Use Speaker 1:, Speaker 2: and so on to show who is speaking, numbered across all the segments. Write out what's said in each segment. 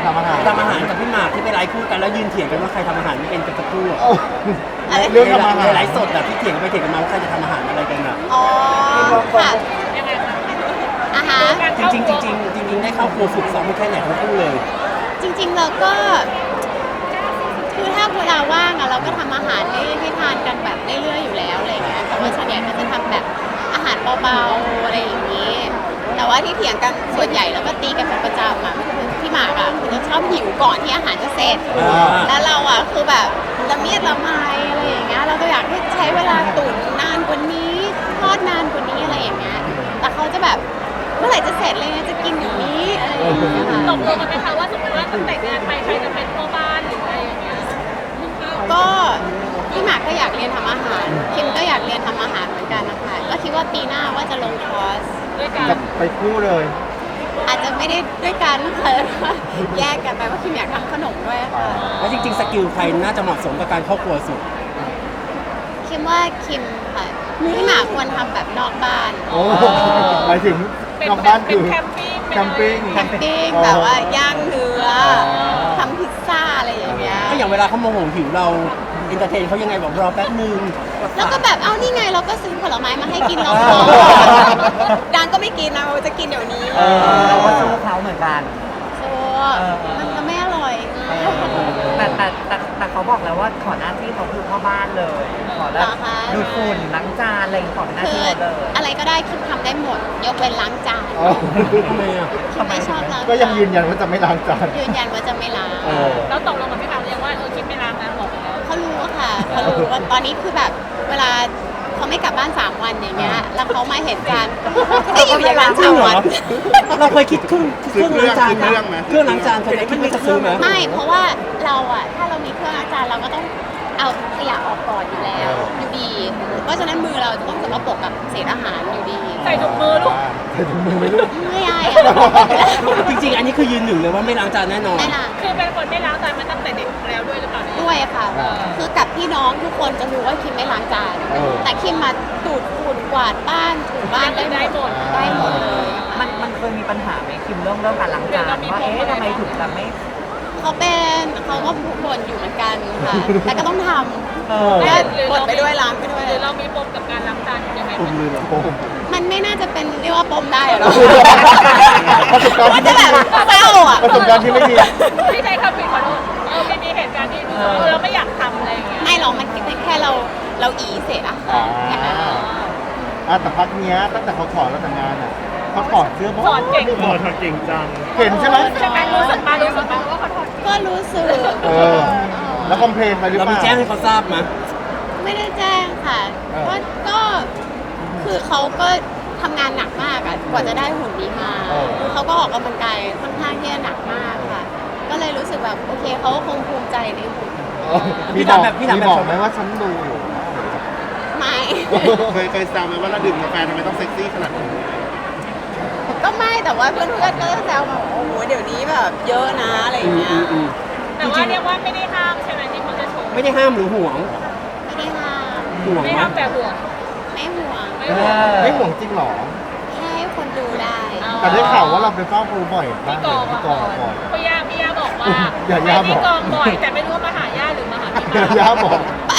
Speaker 1: ทำอาหาร
Speaker 2: กับพี่หมากที่ไปไลฟ์คู่กันแล้วยืนเถียงกันว่าใครทำอาหารไม่เป็นกันสักครู่
Speaker 1: เรื่องทำอาหาร
Speaker 2: ไลฟ์สดแบบที่เถียงไปเถียงกันมาว่าใครจะทำอาหารอะไรกันอ่ะ
Speaker 3: อ๋อค่ะอาหาร
Speaker 2: จริงได้เข้าครัวฝึกซ้อมแค่ไหนทั้งคู่เลย
Speaker 3: จริงๆเราก็คือถ้าเวลาว่างอะเราก็ทำอาหารให้ทานกันแบบเรื่อยๆอยู่แล้วอะไรเงี้ยแต่ว่าส่วนใหญ่ก็จะทำแบบอาหารเบาๆอะไรอย่างนี้แต่ว่าที่เถียงกันส่วนใหญ่แล้วก็ตีกันเป็นประจำอะคือพี่หมากอะคือจะชอบหิวก่อนที่อาหารจะเสร็จแล้วเราอะคือแบบละเมียดละไมอะไรอย่างเงี้ยเราก็อยากให้ใช้เวลาตุ๋นนานกว่านี้ทอดนานกว่านี้อะไรอย่างเงี้ยแต่เขาจะแบบเมื่อไหร่จะเสร็จเลยจะกินอย่างนี้อะไรอย่างเงี้ยค่ะ
Speaker 4: ตกลงกันไหมคะว่าสมมติว่าตั้งแต่งานไปใครจะเป็นพ่อบ้านหรืออะไรอย่างเงี้ย
Speaker 3: ก็พี่หมากก็อยากเรียนทำอาหารคิมก็อยากเรียนทำอาหารเหมือนกันนะคะก็คิดว่าปีหน้าว่าจะลงคอร์ส
Speaker 4: ด้วยกัน
Speaker 1: ไปคู่เลย
Speaker 3: อาจจะไม่ได้ด้วยกันนะคะแยกกันไปว่าคิมอยากทำขนมด้วยค่ะ
Speaker 2: แล้วจริงๆสกิลใครน่าจะเหมาะสมกับการเข้าครัวสุด
Speaker 3: คิมว่าคิมค่ะพี่หมากควรทำแบบนอกบ้าน
Speaker 1: หมายถึงนอกบ้านคือ
Speaker 4: แคมปิ้ง
Speaker 3: แบบว่าย่างเนื้อทำพิซซ่าอะไรอย่างเงี้ย
Speaker 2: ก็อย่างเวลาเขาโมโหหิวเราเอนเตอร์เทนเขายังไงบอกรอแป๊บนึง
Speaker 3: แล้วก็แบบเอานี่ไงเราก็ซื้อผลไม้มาให้กินเราพอดังก็ไม่กินนะเราจะกินเดี๋ยวนี้
Speaker 5: เราก็สู้เขาเหมือนกัน
Speaker 3: มันก็ไม่อร่อย
Speaker 5: แต่เขาบอกแล้วว่าขอหน้าที่เขาคือพ่อบ้านเลยขอแล้วดูฝุ่นล้างจานอะไรขอเป็นหน้าที่เลย
Speaker 3: อะไรก็ได้คิมทำได้หมดยกเว้นล้างจาน
Speaker 2: ทำไมอ่ะ
Speaker 3: คิมไม่ชอบล้าง
Speaker 1: ก็ยังยืนยันว่าจะไม่ล้างจาน
Speaker 3: ยืนยันว่าจะไม่ล้าง
Speaker 4: แล้วตกลงกับพี่หมากเรียกว่าคิมไม่ล้างนะบอกแล้ว
Speaker 3: เขารู้ค่ะเขารู้ว่าตอนนี้คือแบบเวลาเขาไม่กลับบ้าน3 วันอย่างเงี้ยแล้วเขามาเห็นกันก็อยู่อย่างนั้น3 วัน
Speaker 2: เราเคยคิดเครื่องล้างจานนะเครื่องล้างจานเคยคิดว่าจะซื้อไหม
Speaker 3: ไม่เพราะว่าเราอะถ้าเรามีเครื่องล้างจานเราก็ต้องเอาขยะออกก่อนอยู่แล้วอยู่ดีเพราะฉะนั้นมือเราจะต้องสกปรกกับเศษอาหารอยู่ดี
Speaker 4: ใส่ถุงมือลูก
Speaker 1: ใส่ถุงมือไหมลูก
Speaker 3: ไม่ได้
Speaker 2: จริงๆอันนี้คือยืนหนึ่งเลยว่าไม่ล้างจานแน่นอน
Speaker 3: ไม่ล้าง
Speaker 4: คือเป็นคนไม่ล้างจานมาตั้งแต่เด็กแล้วด้วยหรือเปล่า
Speaker 3: ด้วยค่ะคือกับพี่น้องทุกคนจะรู้ว่าคิมไม่ล้างจานแต่คิมมาดูดฝุ่นกวาดบ้านถูบ้านได้หมดเลย
Speaker 5: มันเคยมีปัญหาไหมคิมเรื่องการล้างจานว่าทำไมถึงแบบไม่
Speaker 3: เขาก็บ่นอยู่เหมือนกันค่ะแต่ก็ต้องทำก็บ่นไปด้วยล้างไปด้วย
Speaker 4: หรือเรามีปมกับการล้างจานยังไง
Speaker 3: มันไม่น่าจะเป็นเรียกว่าปมได้หรอก
Speaker 1: ประสบการณ์ที่ไม่ดี
Speaker 3: เศร้าอ่ะ
Speaker 1: ประสบการณ์ที่ไม่ดี
Speaker 4: ที่ใช้คำผิดขอโทษมีเหตุการณ์ที่เราไม่อยากทำอะไรอย่างเงี้ย
Speaker 3: ไม่หรอกมันเป็นแค่เราอีเสร็จอะแค่นั้น
Speaker 1: แต่พักเนี้ยตั้งแต่เขาขอเราแต่งงานอ่ะเขาถอดเสื้อ
Speaker 4: ถอดเก่ง
Speaker 1: จังเห็นใช่ไหม
Speaker 4: รู้สึกมาว่าเขาถอด
Speaker 3: ก็รู้สึก
Speaker 1: แล้วคอมเพลนไปหรือเปล่า
Speaker 2: เรามีแจ้งให้เขาทราบไหม
Speaker 3: ไม่ได้แจ้งค่ะก็คือเขาก็ทำงานหนักมากอะกว่าจะได้หุ่นนี้มาเขาก็ออกกำลังกายค่อนข้างที่จะหนักมากค่ะก็เลยรู้สึกแบบโอเคเขาคงภูมิใจในหุ่น
Speaker 1: พี่บอกไหมว่าฉันดูอยู่
Speaker 3: ไม่
Speaker 1: เคยแซวไหมว่าเราดื่มกาแฟทำไมต้องเซ็กซี่ขนาดนี้
Speaker 3: ก็ไม่แต่ว่าเพื่อนก็แซวมาโอ้โหเดี๋ยวนี้แบบเยอะนะอะไรอย่างเงี้ย
Speaker 4: แต่ว่าเรียกว่าไม่ได้ห้ามใช่ไหมที่เขาจะชม
Speaker 2: ไม่ได้ห้ามหรือห่วง
Speaker 3: ไม่ได้ห้าม
Speaker 2: ห่วง
Speaker 4: ไม่ห้ามแต่ห่วง
Speaker 3: ไม่ห่วง
Speaker 1: ไม่ห่วงจริงหรอ
Speaker 3: แค่ให้คนดูได้
Speaker 1: แต่ได้ข่าวว่าเราไปเฝ้าครูบ่อย
Speaker 4: พี่กองก่อนพี่ย่าบอกว่าไปที่กองบ่อยแต่ไม่รู้ว่ามาหาย่าหรือมาหาพี่มา
Speaker 1: ย่าบอก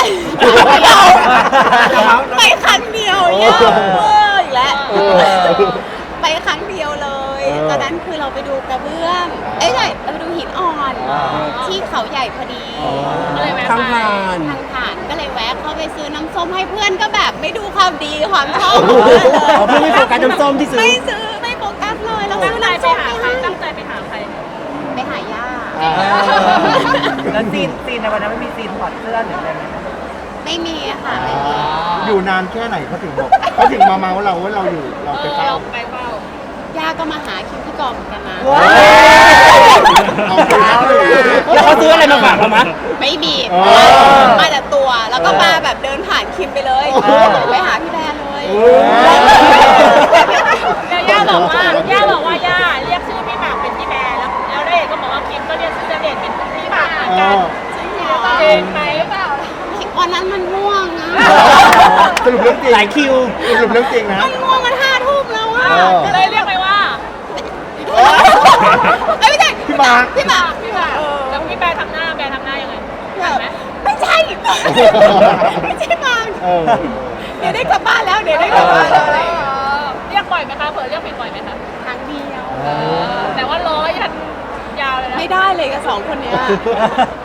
Speaker 3: ไปครั้งเดียวย่าอีกแล้วไปครั้งเดียวเลยตอนนั้นคือเราไปดูกระเบื้องใช่เราไปดูหินอ่อนที่เขาใหญ่พอดี
Speaker 2: ทางผ่
Speaker 3: านก็เลยแวะเข้าไปซื้อน้ำส้มให้เพื่อนก็แบบไม่ดูความดีความชอบ
Speaker 2: เพื่อนไม่โฟกัสน้ำส้มที่ซื้อ
Speaker 3: ไม่โฟกัสเลยเรา
Speaker 4: ตั้งใจไปหาใครตั้งใจไปหาใคร
Speaker 3: ไปหาย่า
Speaker 5: แล้วซีนในวันนั้นไม่มีซีนถอดเสื้อหรืออะไรไหม
Speaker 3: ไม่มีค่ะไม่มี
Speaker 1: อยู่นานแค่ไหนเขาถึงบอกเขาถึงมาเมาเราว่าเราอยู่เราไปเฝ้า
Speaker 3: ย่าก็มาหาคิมที่กองกันนะ
Speaker 2: แล้วเขาซื้ออะไรมาฝากเราไหม
Speaker 3: ไม่มีมาแต่ตัวแล้วก็มาแบบเดินผ่านคิมไปเลยไปหาพี่แบร์เลย
Speaker 4: ย่าบอกว่าย่าเรียกชื่อพี่หมากเป็นพี่แบร์แล้วเด็กก็บอกว่าคิมก็เรียกชื่อเด็กเป็นพี่หมากเหมือนกันเก่งไหมหรือเปล่า
Speaker 3: วันนั้นมันง่วงนะ
Speaker 1: สรุปเรื่องจริง
Speaker 2: หลายคิว
Speaker 1: สรุปเรื่องจริงนะ
Speaker 3: มันง่วงมัน5 ทุ่มแล้วอ่ะ
Speaker 4: เลยเรียกไปว่า
Speaker 3: ไม่ใช่
Speaker 1: พี่มา
Speaker 3: พี่หมาก
Speaker 4: พี่หมากแล้วพี่แบร์ทำหน้ายังไงทันไหม
Speaker 3: ไม่ใช่ ไม่ใช่หมาก
Speaker 1: เออ
Speaker 3: เดี๋ยวได้กลับบ้านแล้วเดี๋ยวได้กลับบ้านแล้วอะไรอย่างเงี้ย
Speaker 4: เรียกบ่อยไหมคะเผลอเรียกผิดบ่อยไหมคะ
Speaker 3: ครั้งเดียว
Speaker 4: แต่ว่าร้อยยันยาวเลยนะ
Speaker 3: ไม่ได้เลยกับสองคนเนี้ย